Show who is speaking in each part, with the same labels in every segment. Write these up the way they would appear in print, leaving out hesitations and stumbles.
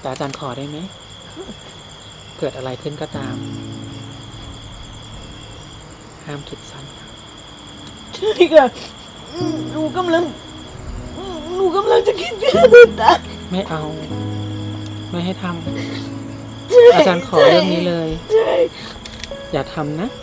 Speaker 1: แต่อาจารย์ขอได้ไหมเกิดอะไรขึ้นก็ตามห้ามคิดสั้นครับ
Speaker 2: ใช่ค่ะหนูกำลังจะคิดฆ่าตัวตาย
Speaker 1: ไม่เอา ไม่ให้ทำอาจารย์ขอเรื่องนี้เลย
Speaker 2: ใช่
Speaker 1: อย่าทำนะ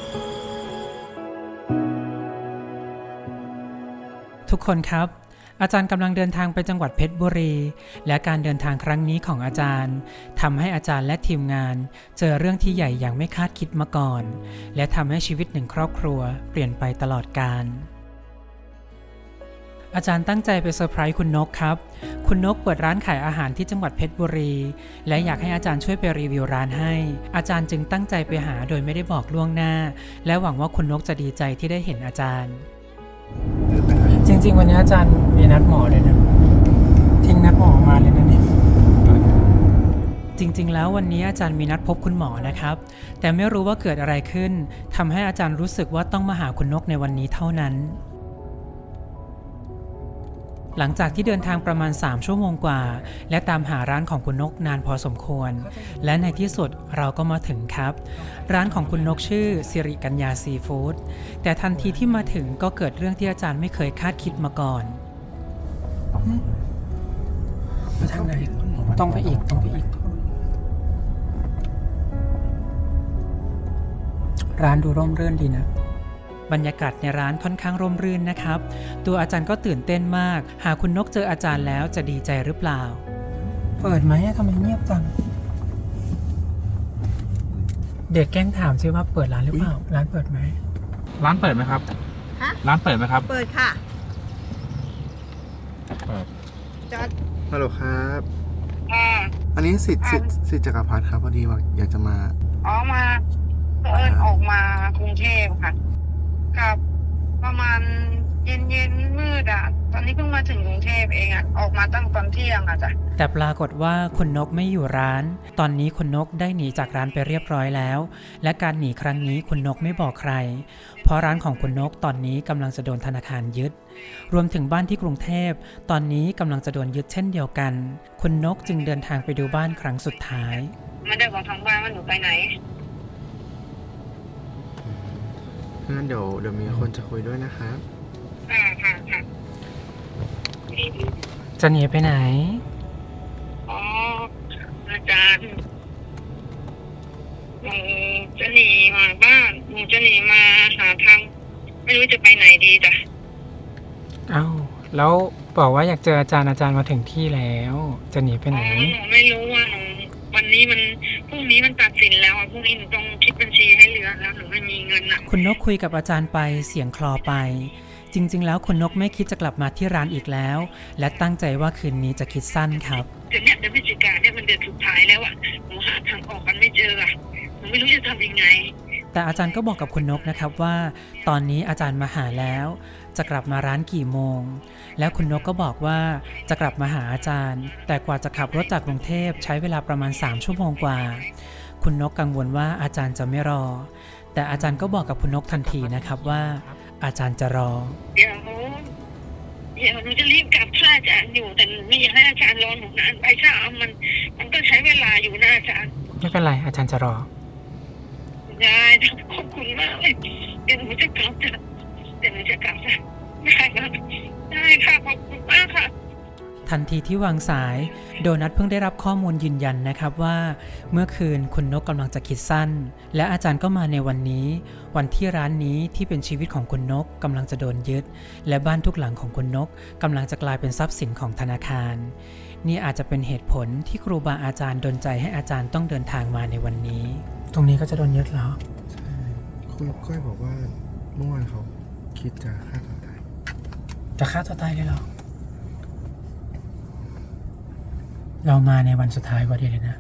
Speaker 1: ทุกคนครับ อาจารย์กำลังเดินทางไปจังหวัดเพชรบุรี และการเดินทางครั้งนี้ของอาจารย์ทำให้อาจารย์และทีมงานเจอเรื่องที่ใหญ่อย่างไม่คาดคิดมาก่อน และทำให้ชีวิตหนึ่งครอบครัวเปลี่ยนไปตลอดกาลอาจารย์ตั้งใจไปเซอร์ไพรส์คุณนกครับ คุณนกเปิดร้านขายอาหารที่จังหวัดเพชรบุรี และอยากให้อาจารย์ช่วยไปรีวิวร้านให้ อาจารย์จึงตั้งใจไปหาโดยไม่ได้บอกล่วงหน้า และหวังว่าคุณนกจะดีใจที่ได้เห็นอาจารย์ จริงๆวันนี้อาจารย์มีนัดหมอเลยนะทิ้งนัดหมอมาเลยนะเนี่ยจริงๆแล้ววันนี้อาจารย์มีนัดพบคุณหมอนะครับแต่ไม่รู้ว่าเกิดอะไรขึ้นทำให้อาจารย์รู้สึกว่าต้องมาหาคุณนกในวันนี้เท่านั้นหลังจากที่เดินทางประมาณ3ชั่วโมงกว่าและตามหาร้านของคุณนกนานพอสมควรและในที่สุดเราก็มาถึงครับร้านของคุณนกชื่อสิริกัญญาซีฟู้ดแต่ทันทีที่มาถึงก็เกิดเรื่องที่อาจารย์ไม่เคยคาดคิดมาก่อนมาทางไหนต้องไปอีกร้านดูร่มรื่นดีนะบรรยากาศในร้านค่อนข้างร่มรื่นนะครับตัวอาจารย์ก็ตื่นเต้นมากหากคุณนกเจออาจารย์แล้วจะดีใจหรือเปล่าเปิดไหมทำไมเงียบจังเด็กแกล้งถามซิว่าเปิดร้านหรือเปล่าร้านเปิดไหม
Speaker 3: ร้านเปิดไหมครับ
Speaker 2: ฮะ
Speaker 3: ร้านเปิดไหมครับ
Speaker 2: เปิดค่ะ
Speaker 3: เปิด
Speaker 2: จอด
Speaker 4: ฮัลโหลครับ อันนี้สิทธิ์จักรพัฒน์ครับพอดีว่าอยากจะมา
Speaker 5: อ๋อมาออกมากรุงเทพค่ะกับประมาณเย็นมืดอ่ะตอนนี้เพิ่งมาถึงกรุงเทพเองอ่ะออกมาตั้งตอนเที่ยงอ่ะจ้ะ
Speaker 1: แต่ปรากฏว่าคุณนกไม่อยู่ร้านตอนนี้คุณนกได้หนีจากร้านไปเรียบร้อยแล้วและการหนีครั้งนี้คุณนกไม่บอกใครเพราะร้านของคุณนกตอนนี้กำลังจะโดนธนาคารยึดรวมถึงบ้านที่กรุงเทพตอนนี้กำลังจะโดนยึดเช่นเดียวกันคุณนกจึงเดินทางไปดูบ้านครั้งสุดท้าย
Speaker 5: ไม่ได้บอกทางบ้านว่าหนูไปไหน
Speaker 4: งั้นเดี๋ยวมีคนจะคุยด้วยนะครับ
Speaker 5: ค่ะ
Speaker 1: จะหนีไปไหน
Speaker 5: อ๋ออาจารย์หนูจะหนีมาบ้านหนูจะหนีมาหาทางไม่รู้จะไปไหนดีจ้ะ
Speaker 1: อ้าวแล้วบอกว่าอยากเจออาจารย์มาถึงที่แล้วจะหนีไปไหน
Speaker 5: หนูไม่รู้ว่าหนูวันนี้มันพรุ่งนี้มันตัดสินแล้วอ่ะพรุ่งนี้หนูต้องคิดบัญชีให้เหลือแล้วหนูไม่มีเงินอ่ะ
Speaker 1: คุณนกคุยกับอาจารย์ไปเสียงคลอไปจริงๆแล้วคุณนกไม่คิดจะกลับมาที่ร้านอีกแล้วและตั้งใจว่าคืนนี้จะคิดสั้นครับ
Speaker 5: เดือนพฤศจิกาเนี่ยมันเดือนสุดท้ายแล้วอ่ะหนูหาทางออกกันไม่เจออ่ะหนูไม่รู้จะทำยังไง
Speaker 1: แต่อาจารย์ก็บอกกับคุณนกนะครับว่าตอนนี้อาจารย์มาหาแล้วจะกลับมาร้านกี่โมงแล้วคุณนกก็บอกว่าจะกลับมาหาอาจารย์แต่กว่าจะขับรถจากกรุงเทพใช้เวลาประมาณ3ชั่วโมงกว่าคุณนกกังวลว่าอาจารย์จะไม่รอแต่อาจารย์ก็บอกกับคุณนกทันทีนะครับว่าอาจารย์จะรอ
Speaker 5: เดี๋ยวหนูจะรีบกลับถ้าอาจารย์อยู่แต่ไม่อยากให้อาจารย์รอหนูนานไปถ้ามันก็ใช้เวลาอยู่นะอาจารย์
Speaker 1: ไม่เป็นไรอาจารย์จะรอ
Speaker 5: ได้ขอบคุณมากเลยเดี๋ยวหนูจะกลับจ้ะได้ค่ะขอบคุณมากค่ะ
Speaker 1: ทันทีที่วางสายโดนัทเพิ่งได้รับข้อมูลยืนยันนะครับว่าเมื่อคืนคุณนกกำลังจะคิดสั้นและอาจารย์ก็มาในวันนี้วันที่ร้านนี้ที่เป็นชีวิตของคุณนกกำลังจะโดนยึดและบ้านทุกหลังของคุณนกกำลังจะกลายเป็นทรัพย์สินของธนาคารนี่อาจจะเป็นเหตุผลที่ครูบาอาจารย์ดลใจให้อาจารย์ต้องเดินทางมาในวันนี้ตรงนี้ก็จะโดนยึดแล้ว
Speaker 4: ใช่คุณก้อยบอกว่าเมื่อวานเขาคิดจะฆ่าตัวตาย
Speaker 1: เลยเหรอเรามาในวันสุดท้ายพอดีเลยนะ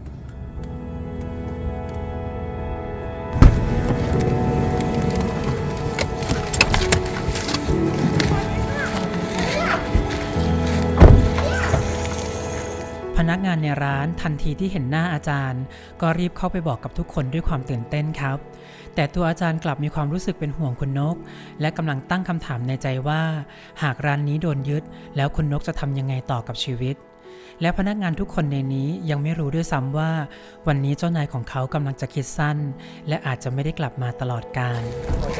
Speaker 1: พนักงานในร้านทันทีที่เห็นหน้าอาจารย์ก็รีบเข้าไปบอกกับทุกคนด้วยความตื่นเต้นครับแต่ตัวอาจารย์กลับมีความรู้สึกเป็นห่วงคุณนกและกำลังตั้งคำถามในใจว่าหากร้านนี้โดนยึดแล้วคุณนกจะทำยังไงต่อกับชีวิตและพนักงานทุกคนในนี้ยังไม่รู้ด้วยซ้ำว่าวันนี้เจ้านายของเขากำลังจะคิดสั้นและอาจจะไม่ได้กลับมาตลอดกาล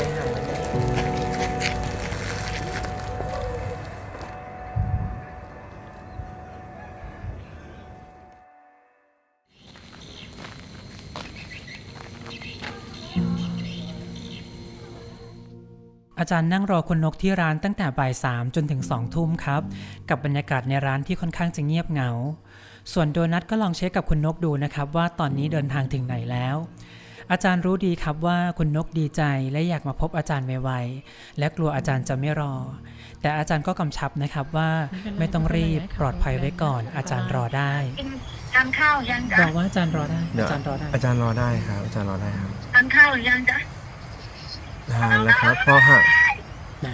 Speaker 1: อาจารย์นั่งรอคุณนกที่ร้านตั้งแต่บ่าย 3 จนถึง 2 ทุ่มครับกับบรรยากาศในร้านที่ค่อนข้างจะเงียบเหงาส่วนโดนัทก็ลองเช็คกับคุณนกดูนะครับว่าตอนนี้เดินทางถึงไหนแล้วอาจารย์รู้ดีครับว่าคุณนกดีใจและอยากมาพบอาจารย์ไวๆและกลัวอาจารย์จะไม่รอแต่อาจารย์ก็กำชับนะครับว่าไม่ต้องรีบปลอดภัยไว้ก่อนอาจารย์รอได้
Speaker 5: ทานข้าวยังจ๊ะ
Speaker 1: บอกว่าอาจารย์รอได้อาจารย์รอได้
Speaker 4: อาจารย์รอได้ครับอาจารย์รอได้ครับ
Speaker 5: ทานข้าวหรือยังจ๊ะ
Speaker 4: ทานแล้วครับพอหัก
Speaker 1: นะ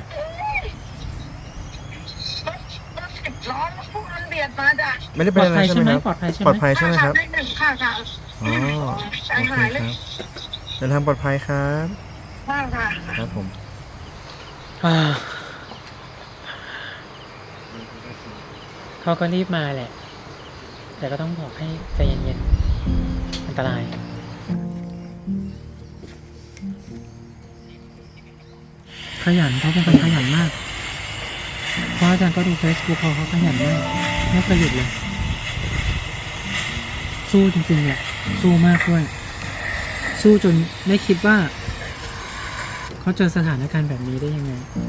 Speaker 5: รถสิบล้อแล้วพวกมันเบียดมาจ้ะ
Speaker 4: ไม่ได้เป็นอะไรใช่ไหมครับ
Speaker 1: ปลอดภัยใช่ไหม
Speaker 4: ปลอดภัยใช่ไหมครับ
Speaker 5: ได้หนึ่งค่ะค่ะ
Speaker 4: อ๋อ
Speaker 5: ใจ
Speaker 4: โอเค
Speaker 5: หายเล
Speaker 4: ค
Speaker 5: ย
Speaker 4: รับเดินทางปลอดภัยครับ
Speaker 5: ว่าค่ะ
Speaker 4: ครับผม
Speaker 1: เขาก็รีบมาแหละแต่ก็ต้องบอกให้ใจเย็นๆอันตรายขยันเขาเป็นคนขยันมากเพราะอาจารย์ก็ดู Facebook เขาขยันมากไม่เคยหยุดเลยสู้จริงๆแหละสู้มากด้วยสู้จนไม่คิดว่าเขาเจอสถานการณ์แบบนี้ได้ยังไง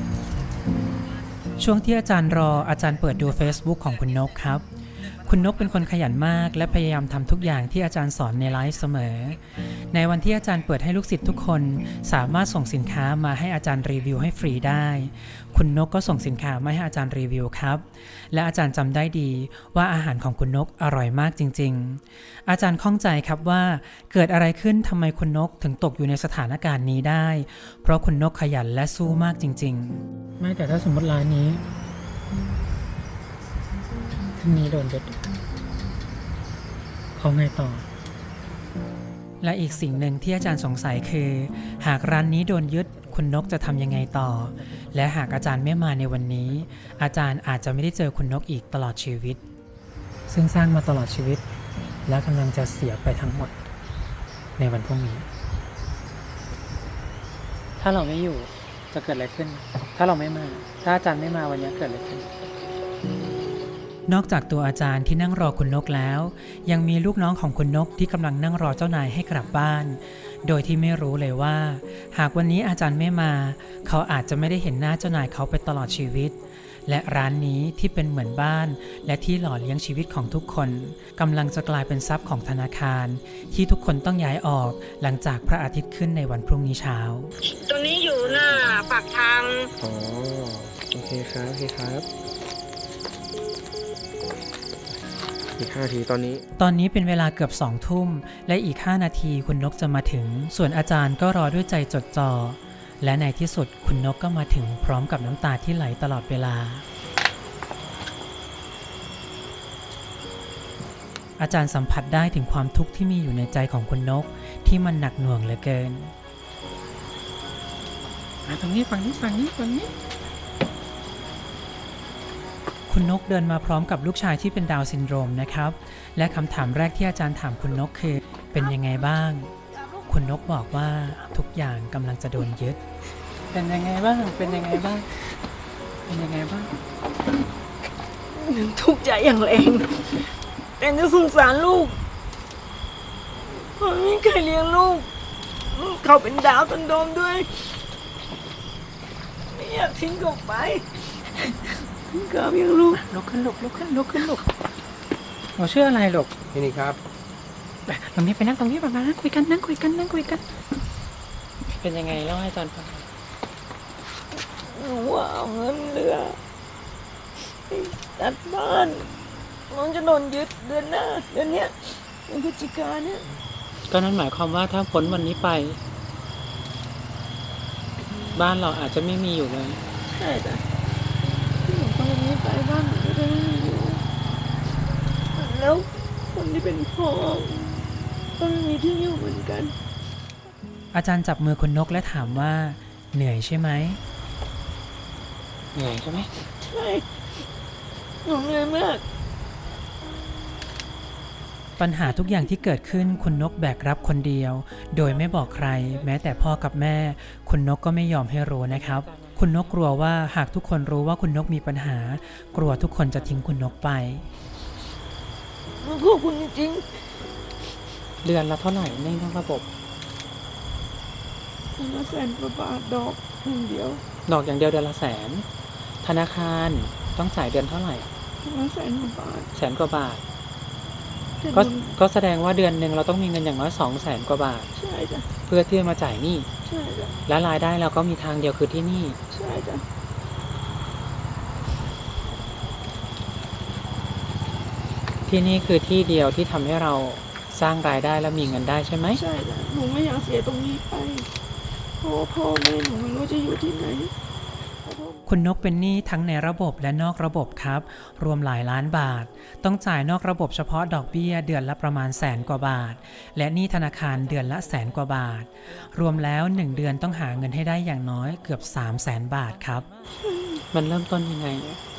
Speaker 1: ช่วงที่อาจารย์รออาจารย์เปิดดู Facebook ของคุณนกครับคุณนกเป็นคนขยันมากและพยายามทำทุกอย่างที่อาจารย์สอนในไลฟ์เสมอในวันที่อาจารย์เปิดให้ลูกศิษย์ทุกคนสามารถส่งสินค้ามาให้อาจารย์รีวิวให้ฟรีได้คุณนกก็ส่งสินค้ามาให้อาจารย์รีวิวครับและอาจารย์จำได้ดีว่าอาหารของคุณนกอร่อยมากจริงๆอาจารย์ข้องใจครับว่าเกิดอะไรขึ้นทำไมคุณนกถึงตกอยู่ในสถานการณ์นี้ได้เพราะคุณนกขยันและสู้มากจริงๆไม่แต่ถ้าสมมติร้านนี้ที่นี้โดนยึดเขาไงต่อและอีกสิ่งหนึ่งที่อาจารย์สงสัยคือหากร้านนี้โดนยึดคุณนกจะทำยังไงต่อและหากอาจารย์ไม่มาในวันนี้อาจารย์อาจจะไม่ได้เจอคุณนกอีกตลอดชีวิตซึ่งสร้างมาตลอดชีวิตและกำลังจะเสียไปทั้งหมดในวันพรุ่งนี้ถ้าเราไม่อยู่จะเกิดอะไรขึ้นถ้าเราไม่มาถ้าอาจารย์ไม่มาวันนี้เกิดอะไรขึ้นนอกจากตัวอาจารย์ที่นั่งรอคุณนกแล้วยังมีลูกน้องของคุณนกที่กำลังนั่งรอเจ้านายให้กลับบ้านโดยที่ไม่รู้เลยว่าหากวันนี้อาจารย์ไม่มาเขาอาจจะไม่ได้เห็นหน้าเจ้านายเขาไปตลอดชีวิตและร้านนี้ที่เป็นเหมือนบ้านและที่หล่อเลี้ยงชีวิตของทุกคนกำลังจะกลายเป็นทรัพย์ของธนาคารที่ทุกคนต้องย้ายออกหลังจากพระอาทิตย์ขึ้นในวันพรุ่งนี้เช้า
Speaker 5: ตัวนี้อยู่หน้าปากทาง
Speaker 4: อ๋อโอเคครับโอเคครับอีก5 นาทีตอนนี้
Speaker 1: เป็นเวลาเกือบ2 ทุ่มและอีก5 นาทีคุณนกจะมาถึงส่วนอาจารย์ก็รอด้วยใจจดจ่อและในที่สุดคุณนกก็มาถึงพร้อมกับน้ำตาที่ไหลตลอดเวลาอาจารย์สัมผัสได้ถึงความทุกข์ที่มีอยู่ในใจของคุณนกที่มันหนักหน่วงเหลือเกินตรงนี้ฝั่งนี้คุณนกเดินมาพร้อมกับลูกชายที่เป็นดาวน์ซินโดรมนะครับและคำถามแรกที่อาจารย์ถามคุณนกคือเป็นยังไงบ้างคุณนกบอกว่าทุกอย่างกำลังจะโดนยึดเป็นยังไงบ้าง
Speaker 2: ทุกข์ใจอย่างแรงแต่จะสงสารลูกเพราะไม่เคยเลี้ยงลูกเขาเป็นดาวน์ซินโดรมด้วยไม่อยากทิ้งเขาไปกับยังลูก
Speaker 1: ลุกขึ้นเราชื่ออะไรลูก
Speaker 4: นี่ครับ
Speaker 1: ตรงนี้ไปนั่งตรงนี้ประมาณนั้นคุยกันเป็นยังไงเล่าให้อาจารย์ฟัง
Speaker 2: หนูว่าเอาเงินเหลือตัดบ้านน้องจะโดนยึดเดือนหน้าเดือนเนี้ยเดือนพฤศจิกายนเนี่ย
Speaker 1: ก็นั่นหมายความว่าถ้าพ้นวันนี้ไปบ้านเราอาจจะไม่มีอยู่เลย
Speaker 2: ใช่จ้ะที่หนูตอนนี้ไปบ้านหนูจะไม่มีอยู่แล้วคนที่เป็นพ่อก็ไม่มีที่อยู่เหมือนกัน
Speaker 1: อาจารย์จับมือคุณนกและถามว่าเหนื่อยใช่ไหม
Speaker 2: ใช่หนูเหนื่อยมาก
Speaker 1: ปัญหาทุกอย่างที่เกิดขึ้นคุณนกแบกรับคนเดียวโดยไม่บอกใครแม้แต่พ่อกับแม่คุณนกก็ไม่ยอมให้รู้นะครับคุณนกกลัวว่าหากทุกคนรู้ว่าคุณนกมีปัญหากลัวทุกคนจะทิ้งคุณนกไป
Speaker 2: หนูขอบคุณจริง
Speaker 1: เดือนละเท่าไหร่ในนอกระบบ
Speaker 2: ๆ100,000 กว่าบาทดอก1 เดียว
Speaker 1: ดอกอย่างเดียวเดือนละแสนธนาคารต้องจ่ายเดือนเท่าไหร่
Speaker 2: 100,000 กว่าบาท
Speaker 1: แสนกว่าบาท
Speaker 2: แต่
Speaker 1: ก็
Speaker 2: หนู
Speaker 1: ก็แสดงว่าเดือนหนึ่งเราต้องมีเงินอย่างน้อย200,000 กว่าบาท
Speaker 2: ใช่จ้ะ
Speaker 1: เพื่อที่จะมาจ่ายหนี้
Speaker 2: ใช่จ้ะ
Speaker 1: และรายได้เราก็มีทางเดียวคือที่นี่
Speaker 2: ใช่จ้ะ
Speaker 1: ที่นี่คือที่เดียวที่ทำให้เราสร้างรายได้และมีเงินได้ใช่ไหม
Speaker 2: ใช่จ้ะหนูไม่อยากเสียตรงนี้ไปเพราะว่าพ่อแม่หนูไม่รู้จะอยู่ที่ไหน
Speaker 1: คุณนกเป็นหนี้ทั้งในระบบและนอกระบบครับรวมหลายล้านบาทต้องจ่ายนอกระบบเฉพาะดอกเบี้ยเดือนละประมาณ100,000 กว่าบาทและหนี้ธนาคารเดือนละ100,000 กว่าบาทรวมแล้ว1 เดือนต้องหาเงินให้ได้อย่างน้อยเกือบ300,000 บาทครับมันเริ่มต้นยังไง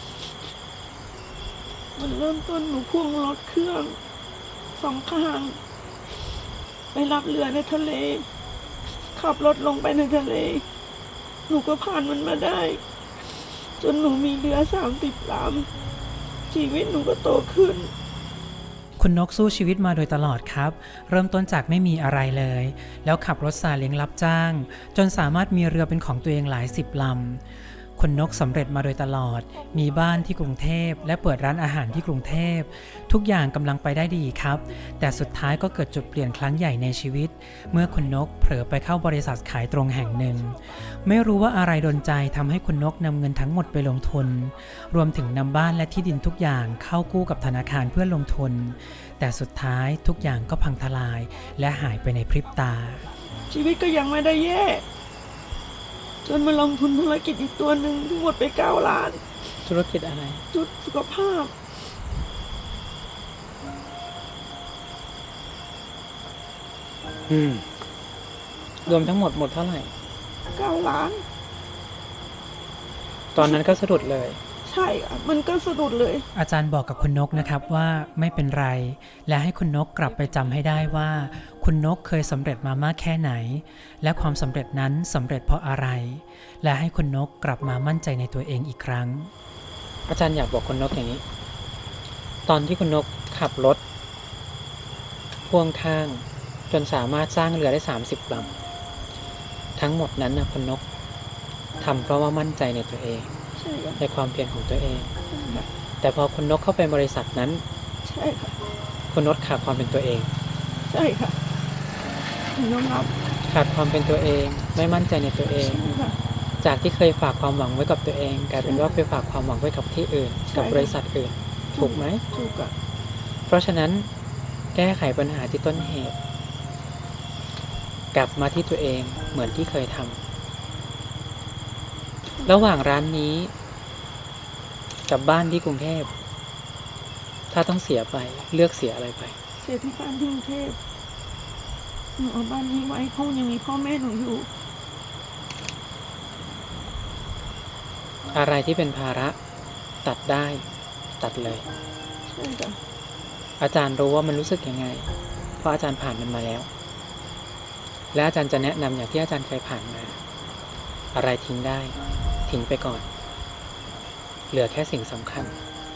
Speaker 2: มันเริ่มต้นหนูพ่วงรถเครื่อง2 ข้าง ไปรับเรือในทะเล ขับรถลงไปในทะเล หนูก็ผ่านมันมาได้ จนหนูมีเรือ30 ลำชีวิตหนูก็โตขึ้น
Speaker 1: คุณนกสู้ชีวิตมาโดยตลอดครับเริ่มต้นจากไม่มีอะไรเลยแล้วขับรถซาเล้งรับจ้างจนสามารถมีเรือเป็นของตัวเองหลาย10 ลำคุณนกสำเร็จมาโดยตลอดมีบ้านที่กรุงเทพและเปิดร้านอาหารที่กรุงเทพทุกอย่างกำลังไปได้ดีครับแต่สุดท้ายก็เกิดจุดเปลี่ยนครั้งใหญ่ในชีวิตเมื่อคุณนกเผลอไปเข้าบริษัทขายตรงแห่งหนึ่งไม่รู้ว่าอะไรดลใจทำให้คุณนกนำเงินทั้งหมดไปลงทุนรวมถึงนำบ้านและที่ดินทุกอย่างเข้ากู้กับธนาคารเพื่อลงทุนแต่สุดท้ายทุกอย่างก็พังทลายและหายไปในพริบตา
Speaker 2: ชีวิตก็ยังไม่ได้แย่จนมาลงทุนธุรกิจอีกตัวหนึ่งทั้งหมดไป9 ล้าน
Speaker 1: ธุรกิจอะไร
Speaker 2: จุดสุขภาพ
Speaker 1: รวมทั้งหมดเท่าไหร่
Speaker 2: 9 ล้าน
Speaker 1: ตอนนั้นก็สะดุดเลย
Speaker 2: ใช่ค่ะมันก็สะดุดเลย
Speaker 1: อาจารย์บอกกับคุณนกนะครับว่าไม่เป็นไรและให้คุณนกกลับไปจำให้ได้ว่าคุณนกเคยสำเร็จมามากแค่ไหนและความสำเร็จนั้นสำเร็จเพราะอะไรและให้คุณนกกลับมามั่นใจในตัวเองอีกครั้งอาจารย์อยากบอกคุณนกอย่างนี้ตอนที่คุณนกขับรถพ่วงข้างจนสามารถสร้างเรือได้30 ลำทั้งหมดนั้นนะคุณนกทำเพราะว่ามั่นใจในตัวเอง
Speaker 2: ใช่ค่ะ
Speaker 1: ในความเพียรของตัวเองแต่พอคุณนกเข้าไปบริษัทนั้น
Speaker 2: ใช่ค่ะ
Speaker 1: คุณนกขาดความเป็นตัวเอง
Speaker 2: ใช่ค่ะหนูยอมรับ
Speaker 1: ขาดความเป็นตัวเองไม่มั่นใจในตัวเอง
Speaker 2: ใช่ค่ะ
Speaker 1: จากที่เคยฝากความหวังไว้กับตัวเองกลายเป็นว่าไปฝากความหวังไว้กับที่อื่น
Speaker 2: ใช่
Speaker 1: กับบริษัทอื่นถูกไหม
Speaker 2: ถูกอ่ะ
Speaker 1: เพราะฉะนั้นแก้ไขปัญหาที่ต้นเหตุ กลับมาที่ตัวเองเหมือนที่เคยทำระหว่างร้านนี้กับบ้านที่กรุงเทพถ้าต้องเสียไปเลือกเสียอะไรไป
Speaker 2: เสียที่บ้านที่กรุงเทพหนูเอาบ้านนี้ไว้เพราะยังมีพ่อแม่หนูอยู่
Speaker 1: อะไรที่เป็นภาระตัดได้ตัดเลย
Speaker 2: ใช่จ้ะ
Speaker 1: อาจารย์รู้ว่ามันรู้สึกยังไงเพราะอาจารย์ผ่านมันมาแล้วและอาจารย์จะแนะนำอย่างที่อาจารย์เคยผ่านมาอะไรทิ้งได้ทิ้งไปก่อนเหลือแค่สิ่งสำคัญ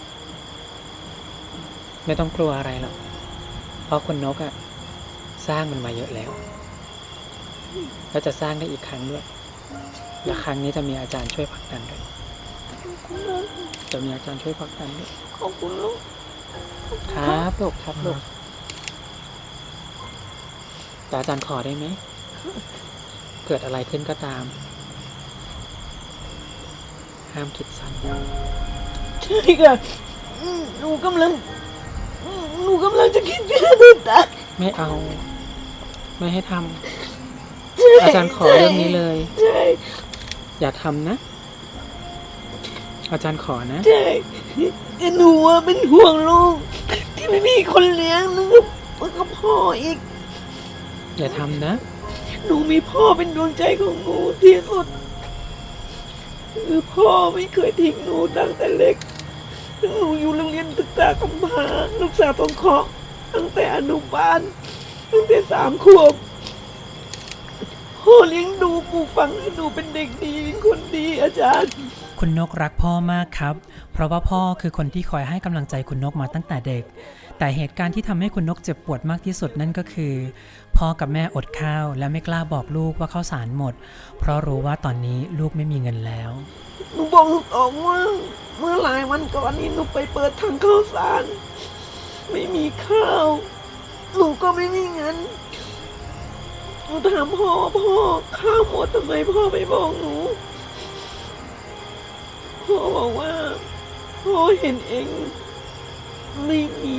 Speaker 1: ไม่ต้องกลัวอะไรหรอกเพราะคุณนกอะสร้างมันมาเยอะแล้วแล้วจะสร้างได้อีกครั้งด้วยและครั้งนี้จะมีอาจารย์ช่วยผลักดันด้วยจะมีอาจารย์ช่วยผลักดันด้วย
Speaker 2: ขอบคุณลูก
Speaker 1: ครับลูกครับลูกแต่อาจารย์ขอได้ไหมเกิดอะไรขึ้นก็ตามห้ามคิดสั้น
Speaker 2: ใช่ค่ะหนูกำลังจะคิดจะตัวตาย
Speaker 1: ไม่เอาไม่ให้ทำอาจารย์ขอเรื่องนี้เลย
Speaker 2: ใช่
Speaker 1: อย่าทำนะอาจารย์ขอนะ
Speaker 2: ใช่แต่หนูอะเป็นห่วงลูกที่ไม่มีคนเลี้ยงนึกว่ากับพ่ออีก
Speaker 1: อย่าทำนะ
Speaker 2: หนูมีพ่อเป็นดวงใจของหนูที่สุดคือพ่อไม่เคยทิ้งหนูตั้งแต่เล็กหนูอยู่โรงเรียนศึกษากำพร้าลูกสาวต้องเคาะตั้งแต่อนุบาลตั้งแต่3 ขวบพ่อเลี้ยงดูปลูกฝังให้หนูเป็นเด็กดีเป็นคนดีอาจารย์
Speaker 1: คุณนกรักพ่อมากครับ เพราะว่าพ่อคือคนที่คอยให้กำลังใจคุณนกมาตั้งแต่เด็ก แต่เหตุการณ์ที่ทำให้คุณนกเจ็บปวดมากที่สุดนั่นก็คือพ่อกับแม่อดข้าวและไม่กล้าบอกลูกว่าข้าวสารหมด เพราะรู้ว่าตอนนี้ลูกไม่มีเงินแล้ว
Speaker 2: หนูบอกลูกออกว่าเมื่อหลายวันก่อนนี้หนูไปเปิดถังข้าวสารไม่มีข้าวหนูก็ไม่มีเงินหนูถามพ่อข้าวหมดทำไมพ่อไม่บอกหนูพ่อบอกว่าพ่อเห็นเองไม่มี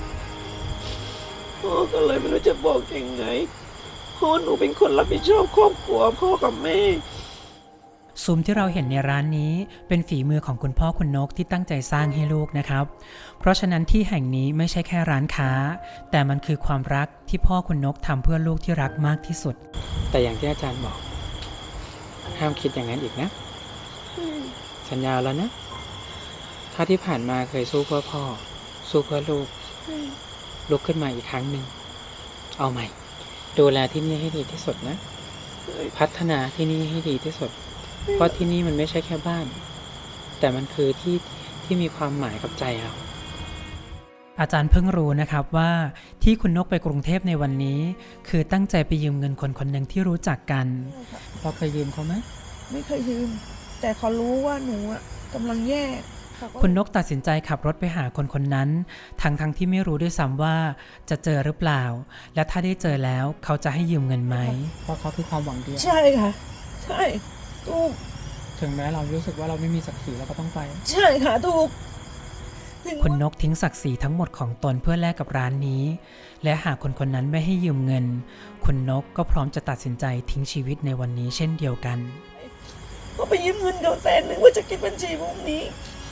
Speaker 2: พ่อก็เลยไม่รู้จะบอกยังไงพ่อหนูเป็นคนรับผิดชอบครอบครัวพ่อกับแม่
Speaker 1: ซุ้มที่เราเห็นในร้านนี้เป็นฝีมือของคุณพ่อคุณนกที่ตั้งใจสร้างให้ลูกนะครับ เพราะฉะนั้นที่แห่งนี้ไม่ใช่แค่ร้านค้า แต่มันคือความรักที่พ่อคุณนกทำเพื่อลูกที่รักมากที่สุด แต่อย่างที่อาจารย์บอกห้ามคิดอย่างนั้นอีกนะ สัญญาแล้วนะ ถ้าที่ผ่านมาเคยสู้เพื่อพ่อ สู้เพื่อลูก ลุกขึ้นมาอีกครั้งหนึ่งเอาใหม่ ดูแลที่นี่ให้ดีที่สุดนะ พัฒนาที่นี่ให้ดีที่สุด เพราะที่นี่มันไม่ใช่แค่บ้าน แต่มันคือที่มีความหมายกับใจเรา อาจารย์เพิ่งรู้นะครับว่าที่คุณนกไปกรุงเทพในวันนี้ คือตั้งใจไปยืมเงินคนคนหนึ่งที่รู้จักกันพอเคยยืมเขาไหม
Speaker 2: ไม่เคยยืม แต่เขารู้ว่าหนูอะกำลังแย่เขาก็
Speaker 1: คุณนกตัดสินใจขับรถไปหาคนคนนั้นทั้งที่ไม่รู้ด้วยซ้ำว่าจะเจอหรือเปล่า และถ้าได้เจอแล้วเขาจะให้ยืมเงินไหมเพราะเขาคือความหวังดี
Speaker 2: ใช่ค่ะ ใช่ถูก
Speaker 1: ถึงแม้เรารู้สึกว่าเราไม่มีศักดิ์ศรีเราก็ต้องไป
Speaker 2: ใช่ค่ะถูกถึง
Speaker 1: คุณนกทิ้งศักดิ์ศรีทั้งหมดของตนเพื่อแลกกับร้านนี้ และหากคนคนนั้นไม่ให้ยืมเงิน คุณนกก็พร้อมจะตัดสินใจทิ้งชีวิตในวันนี้เช่นเดียวกัน
Speaker 2: เขาไปยืมเงินเขา100,000ว่าจะกินบัญชีพวกนี้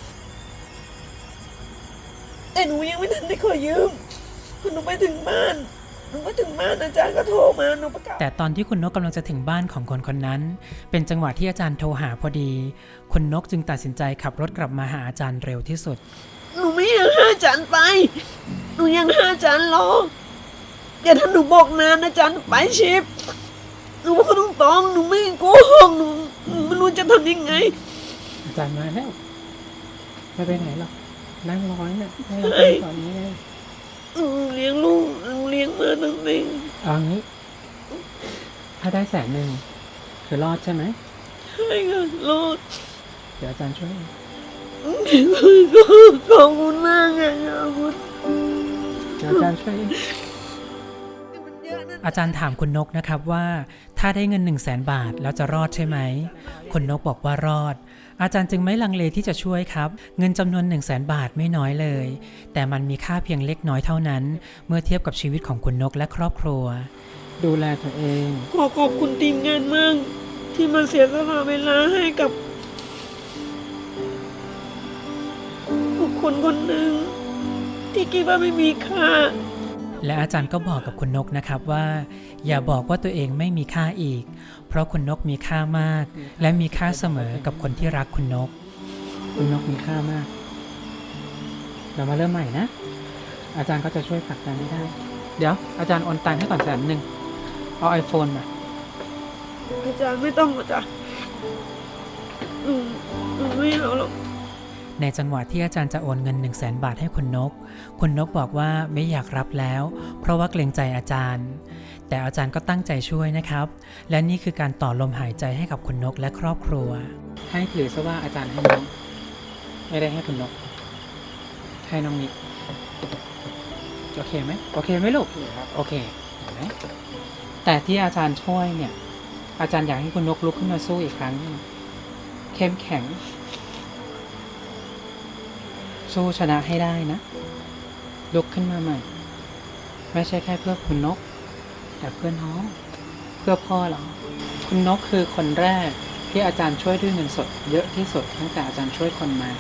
Speaker 2: แต่หนูยังไม่ทันได้ขอยืมพอหนูไปถึงบ้านอาจารย์ก็โทรมาหนูประกาศ
Speaker 1: แต่ตอนที่คุณนกกำลังจะถึงบ้านของคนคนนั้น เป็นจังหวะที่อาจารย์โทรหาพอดี คุณนกจึงตัดสินใจขับรถกลับมาหาอาจารย์เร็วที่สุด
Speaker 2: หนูไม่อยากให้อาจารย์ไป หนูยังให้อาจารย์รออย่าถ้าหนูบอกนานอาจารย์ไปชิปหนูพูดตรงๆหนูไม่โกหกหนูไม่รู้จะทำยังไง
Speaker 1: อาจารย์มาแล้วไม่ไปไหนหรอกนั่งรอเนี่ยให้เรา
Speaker 2: เฮ้
Speaker 1: ไป
Speaker 2: ย
Speaker 1: ตอนนี้
Speaker 2: เลี้ยงลูกเลี้ยงมาตั้งแต่
Speaker 1: เอางี้ ถ้าได้100,000คือรอดใช่ไหม
Speaker 2: ใช่ค่ะรอด
Speaker 1: เดี๋ยวอาจารย์ช่วย
Speaker 2: ขอบคุณมากค่ะขอบคุณ
Speaker 1: เดี๋ยวอาจารย์ช่วย
Speaker 2: มันเยอะนะ
Speaker 1: อาจารย์ถามคุณนกนะครับว่าถ้าได้เงิน100,000 บาทแล้วจะรอดใช่ไหมคุณนกบอกว่ารอด อาจารย์จึงไม่ลังเลที่จะช่วยครับ เงินจำนวน100,000 บาทไม่น้อยเลย แต่มันมีค่าเพียงเล็กน้อยเท่านั้น เมื่อเทียบกับชีวิตของคุณนกและครอบครัว ดูแลตัวเอง
Speaker 2: ขอบคุณทีมงานมากที่มาเสียสละเวลาให้กับบุคคลคนหนึ่งที่คิดว่าไม่มีค่า
Speaker 1: และอาจารย์ก็บอกกับคุณนกนะครับว่า อย่าบอกว่าตัวเองไม่มีค่าอีก เพราะคุณนกมีค่ามาก และมีค่าเสมอกับคนที่รักคุณนก คุณนกมีค่ามาก เรามาเริ่มใหม่นะ อาจารย์ก็จะช่วยผลักดันให้ได้ เดี๋ยวอาจารย์โอนตังค์ให้ก่อน100,000เอา iPhone มา
Speaker 2: อาจารย์ไม่ต้องอาจารย์หนูไม่เอาหรอก
Speaker 1: ในจังหวะที่อาจารย์จะโอนเงิน100,000 บาทให้คุณนก คุณนกบอกว่าไม่อยากรับแล้ว เพราะว่าเกรงใจอาจารย์ แต่อาจารย์ก็ตั้งใจช่วยนะครับ และนี่คือการต่อลมหายใจให้กับคุณนกและครอบครัว ให้ถือซะว่าอาจารย์ให้น้อง ไม่ได้ให้คุณนก ให้น้องนิกโอเคไหมโอเคไหมลูกโอเคเห็นไหมแต่ที่อาจารย์ช่วยเนี่ย อาจารย์อยากให้คุณนกลุกขึ้นมาสู้อีกครั้งหนึ่งเข้มแข็ง สู้ชนะให้ได้นะ ลุกขึ้นมาใหม่ ไม่ใช่แค่เพื่อคุณนก แต่เพื่อน้อง เพื่อพ่อเรา คุณนกคือคนแรกที่อาจารย์ช่วยด้วยเงินสดเยอะที่สุดตั้งแต่อาจารย์ช่วยคนมา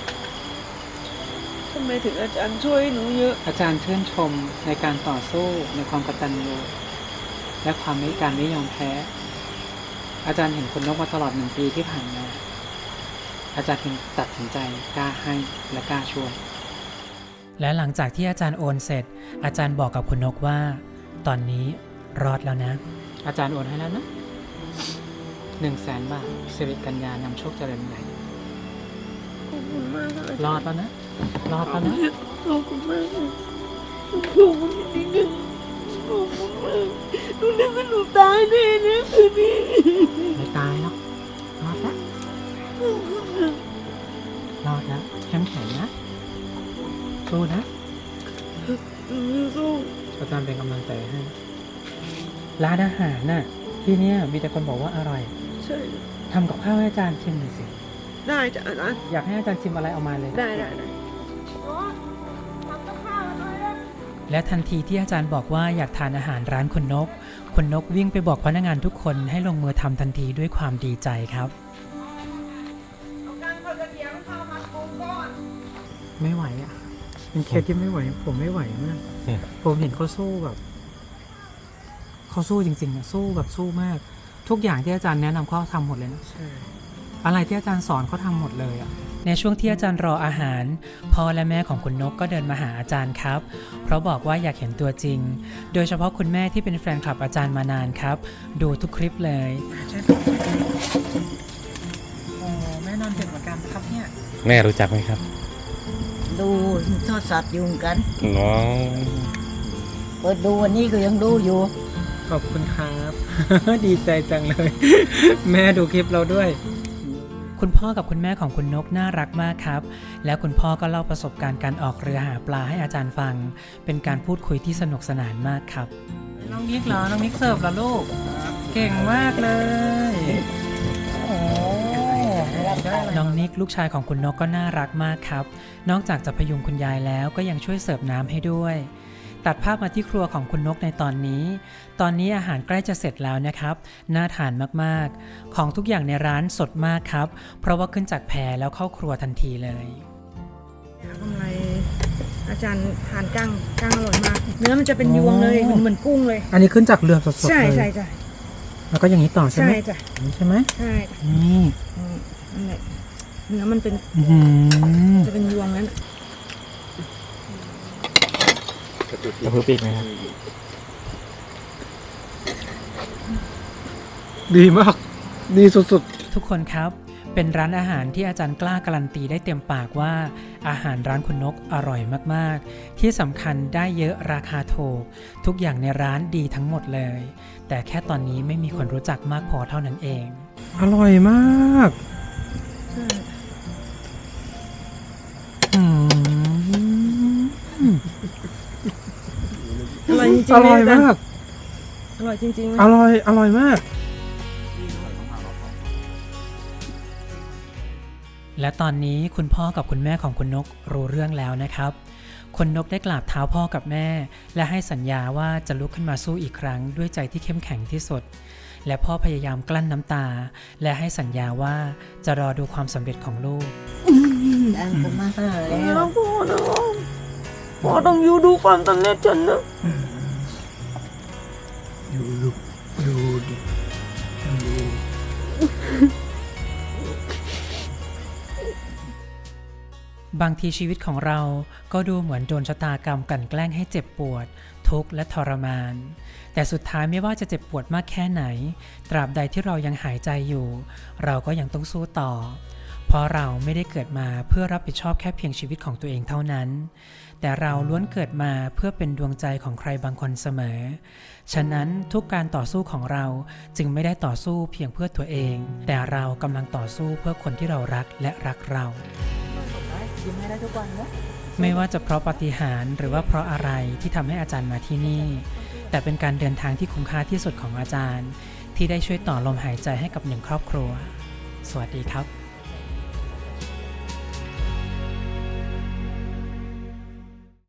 Speaker 2: ทำไมถึงอาจารย์ช่วยหนูเยอะ
Speaker 1: อาจารย์ชื่นชมในการต่อสู้ในความกตัญญูและการไม่ยอมแพ้ อาจารย์เห็นคุณนกมาตลอด1 ปีที่ผ่านมา อาจารย์จึงตัดสินใจกล้าให้และกล้าช่วยและหลังจากที่อาจารย์โอนเสร็จ อาจารย์บอกกับคุณนกว่า ตอนนี้รอดแล้วนะ อาจารย์โอนให้แล้วนะ 100,000 บาทสิริกัญญานำโชคเจริญใหญ่
Speaker 2: ขอบคุณมากค่ะ
Speaker 1: รอดแล้วนะ รอดแล้วนะ
Speaker 2: ขอบคุณมากค่ะขอบคุณจริงๆขอบคุณมากหนูนึกว่าหนูตายแน่นะคืนนี้
Speaker 1: ไม่ตายหรอกรอดแล้ว
Speaker 2: ขอบคุณค่ะ
Speaker 1: รอดแล้วเข้มแข็งนะสู้นะ
Speaker 2: หนูจะสู้
Speaker 1: อาจารย์เป็นกำลังใจให้ร้านอาหารน่ะที่เนี้ยมีแต่คนบอกว่าอร่อย
Speaker 2: ใช่
Speaker 1: ทำกับข้าวให้อาจารย์ชิมหน่อยสิ
Speaker 2: ได้จ้ะอาจารย์
Speaker 1: อยากให้อาจารย์ชิมอะไรเอามาเลย
Speaker 2: ได้
Speaker 1: และทันทีที่อาจารย์บอกว่าอยากทานอาหารร้านคุณนกวิ่งไปบอกพนักงานทุกคนให้ลงมือทำทันทีด้วยความดีใจครับ ไม่ไหวอ่ะเป็นเคสที่ไม่ไหว ผมไม่ไหวมากผมเห็นเขาสู้แบบเขาสู้จริงๆอะสู้แบบสู้มาก ทุกอย่างที่อาจารย์แนะนำเขาทำหมดเลยนะอะไรที่อาจารย์สอนเขาทำหมดเลยอ่ะในช่วงที่อาจารย์รออาหารพ่อและแม่ของคุณนกก็เดินมาหาอาจารย์ครับเพราะบอกว่าอยากเห็นตัวจริงโดยเฉพาะคุณแม่ที่เป็นแฟนคลับอาจารย์มานานครับดูทุกคลิปเลยโอ้แม่นอนดึกเหมือนกันครับเนี่ย
Speaker 6: แม่รู้จักไหมครับ
Speaker 7: ดูโทรศัพท์อยู่เหมือนกัน
Speaker 6: น้อง
Speaker 7: เปิดดูวันนี้ก็ยังดูอยู่
Speaker 1: ขอบคุณครับ ดีใจจังเลย แม่ดูคลิปเราด้วย คุณพ่อกับคุณแม่ของคุณนกน่ารักมากครับแล้วคุณพ่อก็เล่าประสบการณ์การออกเรือหาปลาให้อาจารย์ฟังเป็นการพูดคุยที่สนุกสนานมากครับน้องมิกเหรอน้องมิกเสิร์ฟเหรอลูกเก่งมากเลยโอ้น้องนิกลูกชายของคุณนกก็น่ารักมากครับนอกจากจะพยุงคุณยายแล้วก็ยังช่วยเสิร์ฟน้ำให้ด้วยตัดภาพมาที่ครัวของคุณนกในตอนนี้อาหารใกล้จะเสร็จแล้วนะครับน่าทานมากๆของทุกอย่างในร้านสดมากครับเพราะว่าขึ้นจากแพแล้วเข้าครัวทันทีเลย
Speaker 2: กำไรอาจารย์ทานกั้งอร่อยมาก เนื้อมันจะเป็นยวงเลยเหมือนกุ้งเลย
Speaker 1: อันนี้ขึ้นจากเรือสดๆเลย
Speaker 2: ใช่จ้ะ
Speaker 1: แล้วก็อย่างนี้ต่อใช่ไหม
Speaker 2: ใช่จ้ะ
Speaker 1: ใช่ไหม
Speaker 2: ใช่จ้ะ
Speaker 1: นี่
Speaker 2: นั่นแหละเนื้อมันเป็น
Speaker 1: อื้อหือ
Speaker 2: จะเป็นยวงนั้น
Speaker 3: จะพูดปีกไหมครับ
Speaker 1: ดีมากดีสุดๆทุกคนครับเป็นร้านอาหารที่อาจารย์กล้าการันตีได้เต็มปากว่าอาหารร้านคุณนกอร่อยมากๆที่สำคัญได้เยอะราคาถูกทุกอย่างในร้านดีทั้งหมดเลยแต่แค่ตอนนี้ไม่มีคนรู้จักมากพอเท่านั้นเองอร่อยมาก
Speaker 2: อร่อยจริงๆ
Speaker 1: อร่อย
Speaker 2: เลย
Speaker 1: มาก
Speaker 2: อร่อยจริงๆเลย
Speaker 1: อร่อยมากและตอนนี้คุณพ่อกับคุณแม่ของคุณนกรู้เรื่องแล้วนะครับคุณนกได้กราบเท้าพ่อกับแม่และให้สัญญาว่าจะลุกขึ้นมาสู้อีกครั้งด้วยใจที่เข้มแข็งที่สุดและพ่อพยายามกลั้นน้ำตาและให้สัญญาว่าจะรอดูความสำเร็จของลูก
Speaker 7: ดังกันมาแล้ว
Speaker 2: แล้วพ่อนะพ่อต้องอยู่ดูความสำเร็จฉันนะ
Speaker 1: อยู่ลูกดูดิดูบางทีชีวิตของเราก็ดูเหมือนโดนชะตากรรมกลั่นแกล้งให้เจ็บปวดทุกข์และทรมานแต่สุดท้ายไม่ว่าจะเจ็บปวดมากแค่ไหนตราบใดที่เรายังหายใจอยู่เราก็ยังต้องสู้ต่อเพราะเราไม่ได้เกิดมาเพื่อรับผิดชอบแค่เพียงชีวิตของตัวเองเท่านั้นแต่เราล้วนเกิดมาเพื่อเป็นดวงใจของใครบางคนเสมอฉะนั้นทุกการต่อสู้ของเราจึงไม่ได้ต่อสู้เพียงเพื่อตัวเองแต่เรากำลังต่อสู้เพื่อคนที่เรารักและรักเราไม่ว่าจะเพราะปาฏิหาริย์หรือว่าเพราะอะไรที่ทำให้อาจารย์มาที่นี่แต่เป็นการเดินทางที่คุ้มค่าที่สุดของอาจารย์ที่ได้ช่วยต่อลมหายใจให้กับหนึ่งครอบครัวสวัสดีครับ